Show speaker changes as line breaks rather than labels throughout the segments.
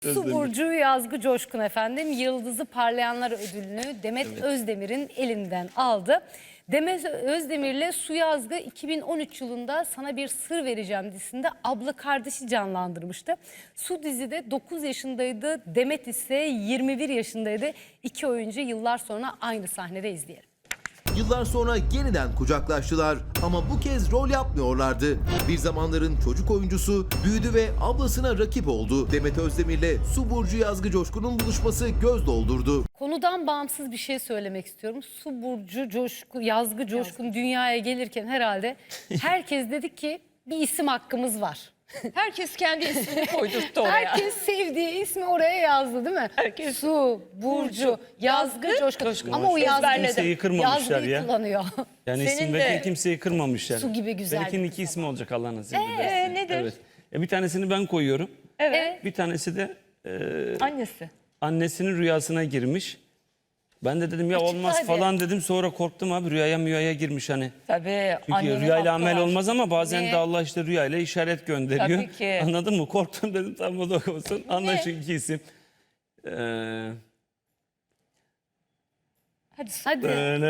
Su burcu Yazgı Coşkun efendim Yıldızı Parlayanlar ödülünü Demet Özdemir'in elinden aldı. Demet Özdemir'le Su Yazgı 2013 yılında Sana Bir Sır Vereceğim dizisinde abla kardeşi canlandırmıştı. Su dizide 9 yaşındaydı, Demet ise 21 yaşındaydı. İki oyuncu yıllar sonra aynı sahnede izleyelim.
Yıllar sonra yeniden kucaklaştılar ama bu kez rol yapmıyorlardı. Bir zamanların çocuk oyuncusu büyüdü ve ablasına rakip oldu. Demet Özdemir'le Su burcu Yazgı Coşkun'un buluşması göz doldurdu.
Konudan bağımsız bir şey söylemek istiyorum. Su burcu Yazgı Coşkun dünyaya gelirken herhalde herkes dedi ki bir isim hakkımız var.
Herkes kendi ismini koydurttu oraya.
Herkes sevdiği ismi oraya yazdı değil mi?
Herkes.
Su, Burcu, Yazgı, Coşkun. Ama o
Kimseyi kırmamışlar
Yazgı'yı
ya.
kullanıyor.
Yani
Senin
isim
de-
verirken kimseyi kırmamışlar.
Su gibi güzel
Benimkinin
bir
iki ismi olacak Allah nasip ederse.
Nedir?
Evet. Bir tanesini ben koyuyorum.
Evet.
Bir tanesi de
Annesi.
annesinin rüyasına girmiş. Ben de dedim ya olmaz
hadi.
falan dedim. Sonra korktum abi rüyaya girmiş hani.
Tabii.
Çünkü
annenin
rüyayla
hakkı
amel
var.
olmaz ama bazen
Ne?
de Allah işte rüyayla işaret gönderiyor.
Tabii ki.
Anladın mı? Korktum dedim tamam o da olsun. Anla şu iki isim.
Hadi.
Hadi.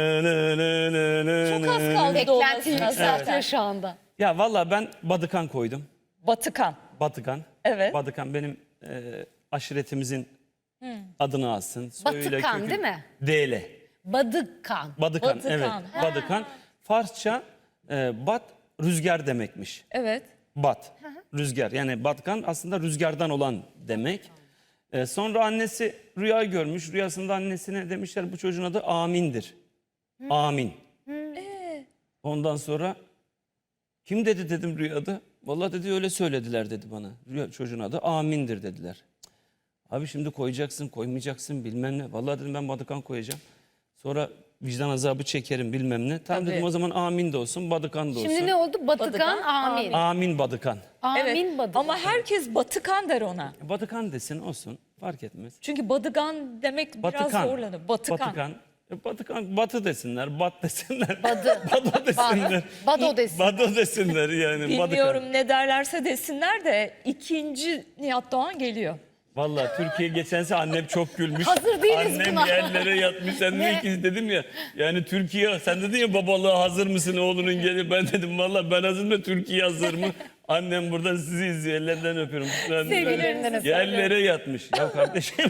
Çok az kaldı
Beklentiyi
doğmasına
yükseltiyor
zaten.
şu anda.
Ya valla ben Badıkan koydum.
Batıkan.
Batıkan.
Evet.
Badıkan benim aşiretimizin adını alsın. Soyuyla,
Batıkan
kökü-
değil mi?
DL.
Badıkan.
Badıkan,
Batıkan,
evet.
ha.
Badıkan. Farsça bat rüzgar demekmiş.
Evet.
Bat, rüzgar. Yani Batıkan aslında rüzgardan olan demek. Sonra annesi rüya görmüş. Rüyasında annesine demişler bu çocuğun adı Amin'dir. Amin. Ondan sonra kim dedi dedim rüyada. Vallahi dedi öyle söylediler dedi bana. Çocuğun adı Amin'dir dediler. Cık. Abi şimdi koyacaksın koymayacaksın bilmem ne. Vallahi dedim ben Badıkan koyacağım. Sonra vicdan azabı çekerim bilmem ne. Tamam
Tabii.
dedim o zaman Amin de olsun Badıkan da olsun.
Şimdi ne oldu? Batıkan,
Batıkan,
Amin.
Amin Badıkan.
Amin
Evet.
Badıkan.
Ama herkes Batıkan der ona.
Badıkan desin olsun fark etmez.
Çünkü Badıgan demek biraz
Batıkan.
zorlanır. Batıkan.
Batıkan. Batıkan batı desinler, bat desinler.
Badı.
Bado desinler.
Bado desin.
Bado desinler yani.
Bilmiyorum
Badıkan.
ne derlerse desinler de ikinci Nihat Doğan geliyor.
Vallahi Türkiye geçense annem çok gülmüş.
Hazır değiliz
Annem
buna.
yerlere yatmış. Sen ne ikiz dedim ya. Yani Türkiye sen dedin ya babalığa hazır mısın oğlunun geliyor. Ben dedim vallahi ben hazırım da Türkiye hazır mı? Annem buradan sizi izliyor. Ellerinden öpüyorum.
Sevgilerinden öpüyorum.
Yerlere yatmış. Ya kardeşim.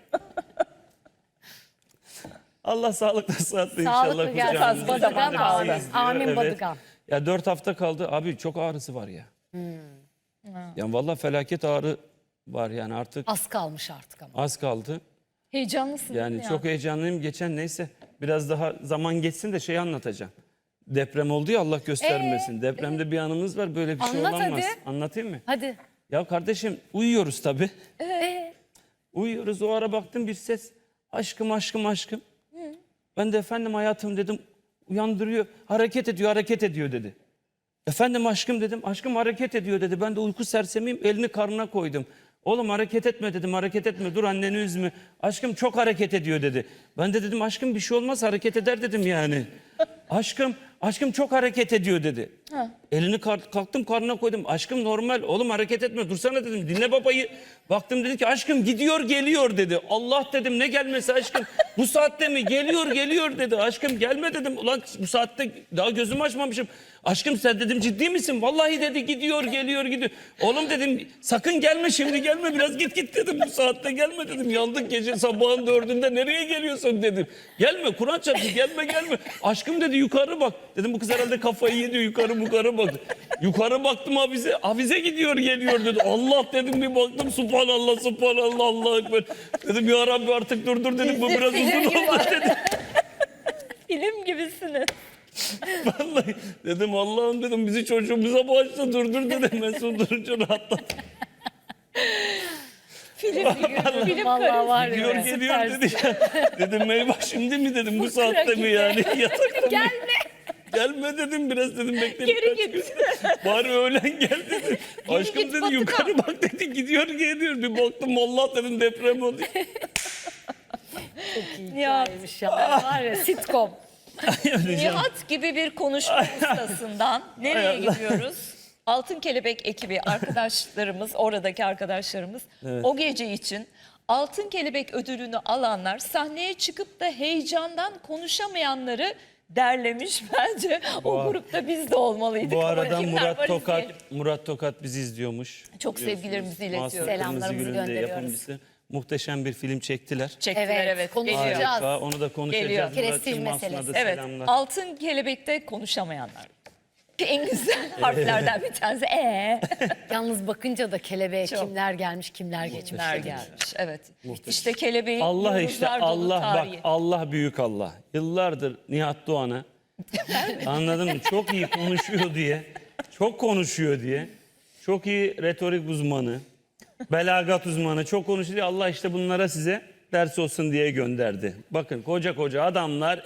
Allah sağlıkla sıhhatle inşallah.
Sağlıklı gelsin.
kucağınızda.
Badıkan
Bizi
kaldı.
izliyor,
Amin
evet.
Badıkan.
Ya 4 hafta kaldı. Abi çok ağrısı var ya. Yani vallahi felaket ağrı var yani artık
Az kalmış artık ama.
az kaldı.
Heyecanlısın
Yani
değil mi
çok
ya?
heyecanlıyım. Geçen neyse biraz daha zaman geçsin de şey anlatacağım. Deprem oldu ya Allah göstermesin. Depremde bir anımız var böyle bir şey
Anlat
olamaz.
hadi.
Anlatayım mı?
Hadi.
Ya kardeşim uyuyoruz tabii.
Ee,
Uyuyoruz o ara baktım bir ses. Aşkım aşkım aşkım. Ben de efendim hayatım dedim. Uyandırıyor. Hareket ediyor dedi. Efendim aşkım dedim. Aşkım hareket ediyor dedi. Ben de uyku sersemiyim elini karnına koydum. Oğlum hareket etme dedim hareket etme dur anneni üzme. Aşkım çok hareket ediyor dedi. Ben de dedim aşkım bir şey olmaz hareket eder dedim yani. Aşkım çok hareket ediyor dedi. Elini kalktım karnına koydum. Aşkım normal oğlum hareket etme dursana dedim dinle babayı. Baktım dedi ki aşkım gidiyor geliyor dedi. Allah dedim ne gelmesi aşkım. Bu saatte mi geliyor dedi. Aşkım gelme dedim. Ulan bu saatte daha gözümü açmamışım. Aşkım sen dedim ciddi misin? Vallahi dedi gidiyor. Oğlum dedim sakın gelme şimdi gelme biraz git dedim. Bu saatte gelme dedim. Yandık gece sabahın 4'ünde nereye geliyorsun dedim. Gelme Kur'an çarptı gelme. Aşkım dedi yukarı bak. Dedim bu kız herhalde kafayı yedi yukarı bak. Yukarı baktım avize gidiyor geliyor dedi. Allah dedim bir baktım subhanallah Allahu ekber. Dedim ya Rabbi artık durdur dedim bu biraz uzun oldu dedim.
Film gibisiniz.
Vallahi dedim Allah'ım dedim bizi çocuğumuza bağışla durdur dedim. Ben son durunca rahatladım.
Film karesi.
Vallahi var ya.
Geliyor
süpersin.
dedi ya. Dedim eyvah şimdi mi dedim bu saatte mi yani yatakta mı? Gelme dedim biraz dedim bekle.
Geri
birkaç
git.
gün. Bari öğlen gel dedi. Aşkım
git,
dedi
Batıkan.
yukarı bak dedi gidiyor geliyor. Bir baktım Allah dedim deprem oldu.
Nihat.
Hikayeymiş ya. Var ya sitcom.
Nihat gibi bir konuşma ustasından nereye gidiyoruz? Altın Kelebek ekibi arkadaşlarımız, oradaki arkadaşlarımız o gece için Altın Kelebek ödülünü alanlar sahneye çıkıp da heyecandan konuşamayanları derlemiş. Bence o grupta biz de olmalıydık.
Bu
Ama
arada
kimler var izleyelim.
Murat Tokat bizi izliyormuş.
Çok
Biliyorsunuz.
sevgilerimizi iletiyoruz.
Mahsun
Selamlarımızı
Kırmızıgül'ün de
gönderiyoruz.
yapımcısı. Muhteşem bir film çektiler.
Çektiler,
Evet,
evet.
konuşacağız.
Geliyor.
Harika, onu da konuşacağız.
Geliyor.
Murat'cığım,
Prestij
Mahsun'a da
meselesi.
Evet,
selamlar.
Altın Kelebek'te konuşamayanlar. En güzel harflerden bir tanesi.
Yalnız bakınca da kelebeğe
Çok.
kimler gelmiş kimler geçmiş.
Kimler gelmiş? Evet. İşte kelebeğin
Allah işte
yıldızlar dolu
Allah bak
tarihi.
Allah büyük Allah. Yıllardır Nihat Doğan'a anladın mı? Çok iyi konuşuyor diye. Çok konuşuyor diye. Çok iyi retorik uzmanı. Belagat uzmanı. Çok konuşuyor diye Allah işte bunlara size ders olsun diye gönderdi. Bakın koca koca adamlar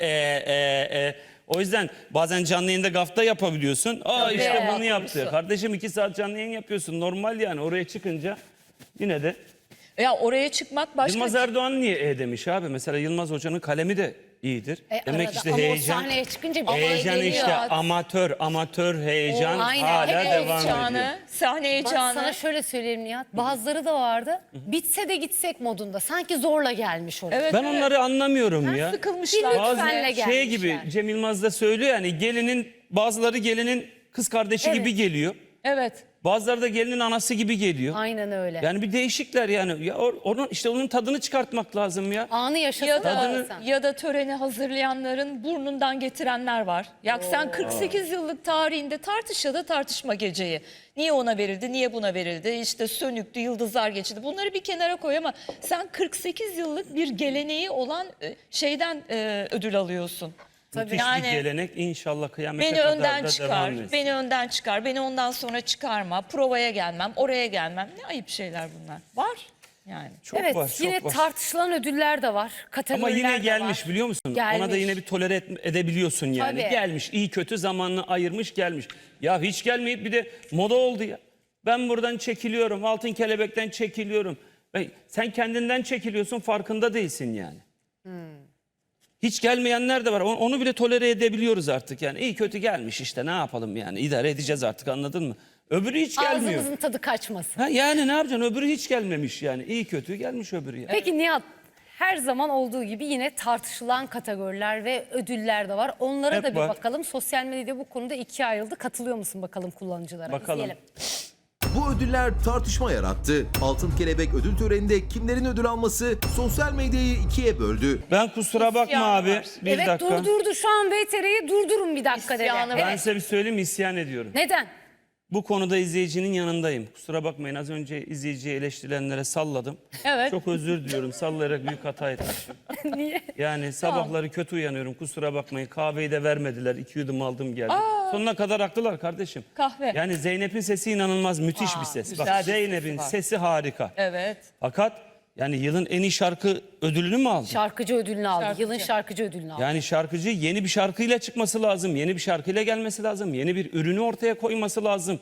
O yüzden bazen canlı yayında gafta yapabiliyorsun. Aa işte bunu yaptı. Kardeşim 2 saat canlı yayın yapıyorsun. Normal yani oraya çıkınca yine de.
Ya oraya çıkmak başka.
Yılmaz Erdoğan niye demiş abi? Mesela Yılmaz Hoca'nın kalemi de iyidir. Demek
Arada.
işte
Ama o
heyecan.
sahneye çıkınca bir
Heyecan
geliyor.
işte amatör heyecan
Aynen.
hala
Hep
devam ediyor.
heyecanı, sahne
Bak
heyecanı.
sana şöyle söyleyeyim Nihat. Bazıları da vardı. Bitse de gitsek modunda. Sanki zorla gelmiş oraya.
Evet,
Ben onları anlamıyorum ya.
sıkılmışlar.
Bir
Bazı
lütfenle
şey
gelmişler.
gibi Cem Yılmaz da söylüyor yani bazıları gelinin kız kardeşi gibi geliyor.
Evet.
Bazıları da gelinin anası gibi geliyor.
Aynen öyle.
Yani bir değişikler yani. Ya onun tadını çıkartmak lazım ya.
Anı
Ya
yaşasın
da,
sen.
ya da töreni hazırlayanların burnundan getirenler var. Ya sen 48 yıllık tarihinde tartışma geceyi. Niye ona verildi, niye buna verildi? İşte sönüktü, yıldızlar geçti. Bunları bir kenara koy ama sen 48 yıllık bir geleneği olan şeyden ödül alıyorsun.
Müthiş
Yani
bir gelenek inşallah kıyamete
beni
kadar
önden
da
çıkar,
devam etsin.
beni önden çıkar, beni ondan sonra çıkarma, provaya gelmem, oraya gelmem. Ne ayıp şeyler bunlar. Var yani.
Çok
Evet
var, çok
yine
var.
tartışılan ödüller de var.
Ama
Kategoriler
yine
de
gelmiş
var.
biliyor musun?
Gelmiş.
Ona da yine bir tolere edebiliyorsun yani.
Tabii.
Gelmiş, iyi kötü zamanını ayırmış gelmiş. Ya hiç gelmeyip bir de moda oldu ya. Ben buradan çekiliyorum, Altın Kelebek'ten çekiliyorum. Sen kendinden çekiliyorsun, farkında değilsin yani. Hiç gelmeyenler de var. Onu bile tolere edebiliyoruz artık yani. İyi kötü gelmiş işte ne yapalım yani. İdare edeceğiz artık anladın mı? Öbürü hiç gelmiyor.
Ağzımızın tadı kaçmasın.
Ha, yani ne yapacaksın? Öbürü hiç gelmemiş yani. İyi kötü gelmiş öbürü ya.
Peki Nihat, her zaman olduğu gibi yine tartışılan kategoriler ve ödüller de var. Onlara
Hep
da bir
var.
bakalım. Sosyal medyada bu konuda ikiye ayrıldı. Katılıyor musun bakalım kullanıcılara?
Bakalım.
İzleyelim.
Bu ödüller tartışma yarattı. Altın Kelebek ödül töreninde kimlerin ödül alması sosyal medyayı ikiye böldü.
Ben kusura bakma
İsyan
abi.
var.
Bir
Evet
dakika.
durdurdu şu an VTR'yi durdurun bir dakika dedi.
İsyanı var.
Ben
Evet.
size bir söyleyeyim isyan ediyorum.
Neden?
Bu konuda izleyicinin yanındayım. Kusura bakmayın az önce izleyiciyi eleştirilenlere salladım.
Evet.
Çok özür diliyorum. Sallayarak büyük hata etmişim.
Niye?
Yani sabahları kötü uyanıyorum. Kusura bakmayın. Kahveyi de vermediler. 2 yudum aldım geldim. Sonuna kadar haklılar kardeşim.
Kahve.
Yani Zeynep'in sesi inanılmaz müthiş bir ses.
güzel
Bak
bir sesi
Zeynep'in
var.
sesi harika.
Evet.
Fakat yani yılın en iyi şarkı ödülünü mü aldı?
Şarkıcı ödülünü aldı.
Şarkıcı.
Yılın şarkıcı ödülünü aldı.
Yani şarkıcı yeni bir şarkıyla çıkması lazım. Yeni bir şarkıyla gelmesi lazım. Yeni bir ürünü ortaya koyması lazım.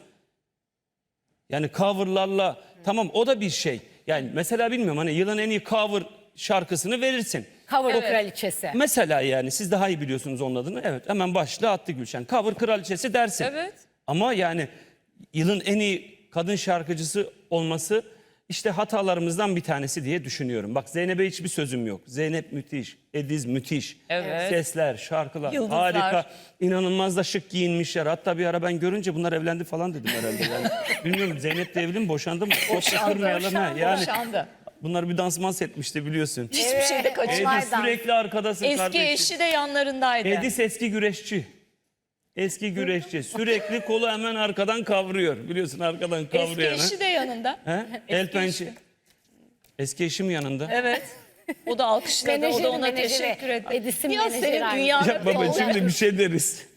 Yani coverlarla tamam o da bir şey. Yani mesela bilmiyorum hani yılın en iyi cover şarkısını verirsin.
Cover
Evet.
kraliçesi.
Mesela yani siz daha iyi biliyorsunuz onun adını. Evet hemen başlığı attı Gülşen. Cover kraliçesi dersin.
Evet.
Ama yani yılın en iyi kadın şarkıcısı olması işte hatalarımızdan bir tanesi diye düşünüyorum. Bak Zeynep'e hiçbir sözüm yok. Zeynep müthiş, Ediz müthiş.
Evet.
Sesler, şarkılar
Yıldızlar.
harika. İnanılmaz da şık giyinmişler. Hatta bir ara ben görünce bunlar evlendi falan dedim herhalde. Yani bilmiyorum Zeynep de evli mi boşandı mı? Çok da kırmayalım ha. Yani
Boşandı.
bunlar bir dansmans etmişti biliyorsun.
Hiçbir şeyde kaçırmaz.
Ediz sürekli arkadasın
Eski
kardeşim.
eşi de yanlarındaydı.
Edis eski güreşçi. Eski güreşçi. Sürekli kolu hemen arkadan kavruyor. Biliyorsun arkadan
Eski
kavruyor hemen.
eşi de yanında.
He? El pençe. Eski eşim yanında.
Evet. O da alkışladı, o da
Menajeri,
ona
menajeri.
teşekkür etti.
Edis'in
Ya
menajeri
senin
aynı.
dünyanın
Ya baba
olacak.
şimdi bir şey deriz.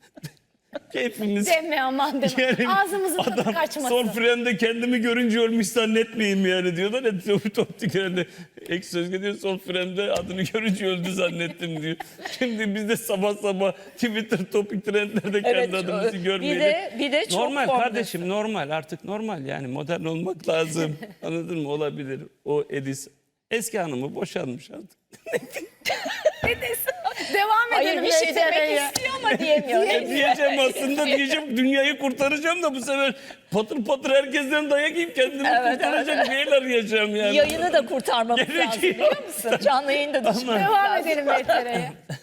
Hepimiz
Deme aman deme.
yani
Ağzımızın tadı
adam
kaçmasın.
son frende kendimi görünce ölmüş zannetmeyeyim yani diyorlar ya Toptik herhalde ek söz diyor son frende adını görünce öldü zannettim diyor. Şimdi biz de sabah sabah Twitter topik trendlerde kendi
Evet,
adımızı görmeyelim.
bir de çok
normal
formda.
kardeşim normal artık normal yani modern olmak lazım. Anladın mı? Olabilir. O Edis eski hanımı boşanmış artık.
Devam
Hayır
edelim.
bir şey demek
VTR'ye.
istiyor ama diyemiyor.
Diyeceğim aslında, diyeceğim dünyayı kurtaracağım da bu sefer patır patır herkesten dayak yiyip kendimi
Evet,
kurtaracak bir el arayacağım yani.
Yayını da kurtarmamız lazım
Gerekiyor.
biliyor musun? Canlı yayını da
Devam edelim VTR'ye.